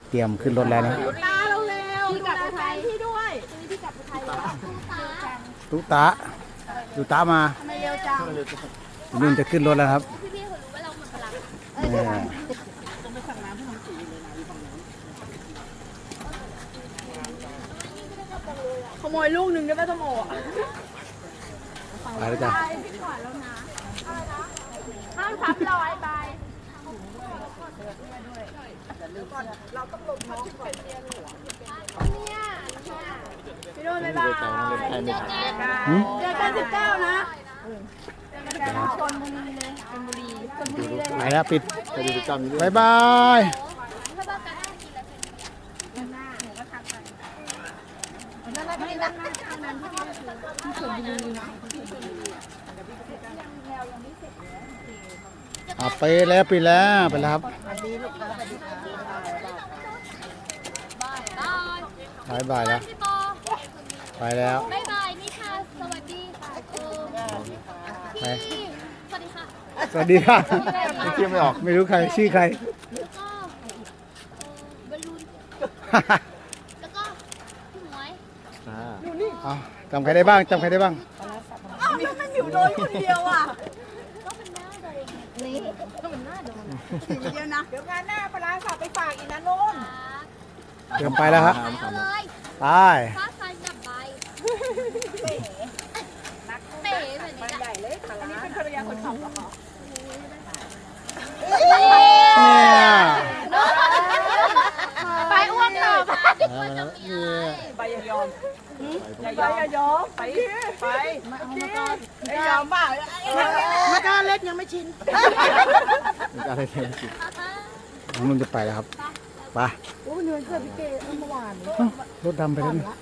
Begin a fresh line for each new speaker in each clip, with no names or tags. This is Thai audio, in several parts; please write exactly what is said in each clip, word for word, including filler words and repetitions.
เตรียมขึ้นรถแล้วนะ
ตาเราเร็วพี่กลับอุทัยพี่ด้วยพี่กลับอุทัยแล้ว
ตุ๊ตาตุ๊ตามา
ทำไมเร็วจัง
นุ่นจะขึ้นรถแล้วครับ
พี่ๆเขารู้ว่าเราหมดพลัง
เออ
ขโมยลูกหนึ่งได้ไหมส้มโออ่ะ
ไปแล้วจ้ะ
พี่ขวาแล้วนะห้ามทับร้อยใบเราต้องลงน้องก่อนเนี่ยพี่โดนบ๊ายบายเจอกันสิบเก้านะชนบุรีเลยชนบุรีชนบุรีเลย
ไปแล้วปิด
ไปดูกิจกรรมนี้ด้วย
บายบาย
ถ้าบ้านกันได้กินแล้วเป็น
นั่นนั่นนั่นนั่นนั่นที่ชนบุรีนะ
อ่ะไปแล้วปิดแล้วไปแล้วครับ
บาย
บายบายแล้ว
พี่ปอ
ไปแล้ว
บายบายนิชาสวัสดีค่ะเออพี่สวัสดีค่ะ
สวัสดีค่ะ
ไม่เที่ยวไม่ออก
ไม่รู้ใครชื่อใคร
แล้วก็เออบอลลูนแล้วก็พี่หมวย
อ่า
เอาจำใครได้บ้างจำใครได้บ้าง
อ้าวแล้วมันอยู่โดนคนเดียวอ่ะ
ก็เป็นหน้าโดนนี่ก็เป็นหน้าโดน
เดียวนะเดี๋ยวงานหน้าปลาสับไปฝากอีกนะนุ่น
เตรียมไปแล้วครับ
เอาเลย
ไป
ฟ้าใสดับใบเป๋เป๋แบบนี้แหละ
อันนี้เป็นภรรยาคนขับเหรอคะ
เนี่ย
ไปอ้วนต่อไป
เอาแล้วเนี่ย
ไปอย่ายอมอย่ายอมอย่ายอมไปไปมาเอามาก่อนอย่ายอมบ้ามาก้าเล็กยังไม่ชิน
เป็นการอะไรเที่ยวสิ
น้องนุ่นจะไปแล้วครับไป
โอ้เนื้อเกิดพี่เกศเมื่อวาน
เอ้ารถดำไปแล้วนี่
บาย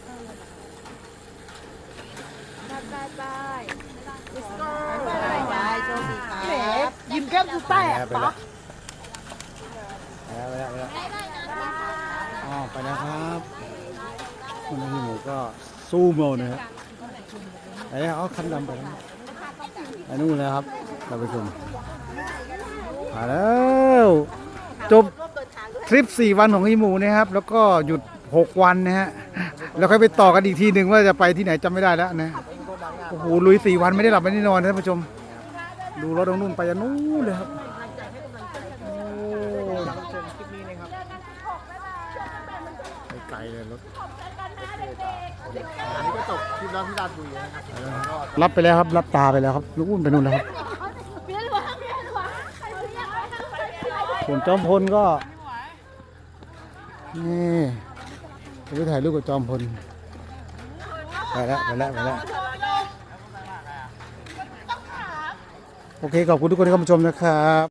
บายบายบายบายโชคดีครับยิ้มแก้มกูแตก
ไปแล้วไปแล้วไปแล้วไปแล้ว
ได้ได้นะ
อ๋อไปแล้วครับคนนี้หมูก็สู้เมานะครับไอ้เอาคันดำไปแล้วไอ้นู่นแล้วครับเราไปชมมาแล้วจบทริปสี่วันของอีหมูนะครับ แล้วก็หยุดหกวันนะฮะแล้วค่อยไปต่อกันอีกทีหนึ่งว่าจะไปที่ไหนจำไม่ได้แล้วนะโอ้โหลุยสี่วันไม่ได้หลับไม่ได้นอนนะท่านผู้ชม ดูรถตรงนู้นไปยันนู้นเลยครับโอ้ไปไกลเลยรถ
อันนี้ก็จบคลิปแล้วที่ราชบุรีนะครับ
รับไปแล้วครับรับตาไปแล้วครับลูกอุ้นไปนู่นแล้วครับ
เบี้ยหลวงเบี้ยหลวงใครเรียกว่าใครเรียกว่า
ส่วนจอมพลก็นี่จะไปถ่ายรูปกับจอมพลไปแล้วไปแล้วไปแล้วโอเคขอบคุณทุกคนที่เข้ามาชมนะครับ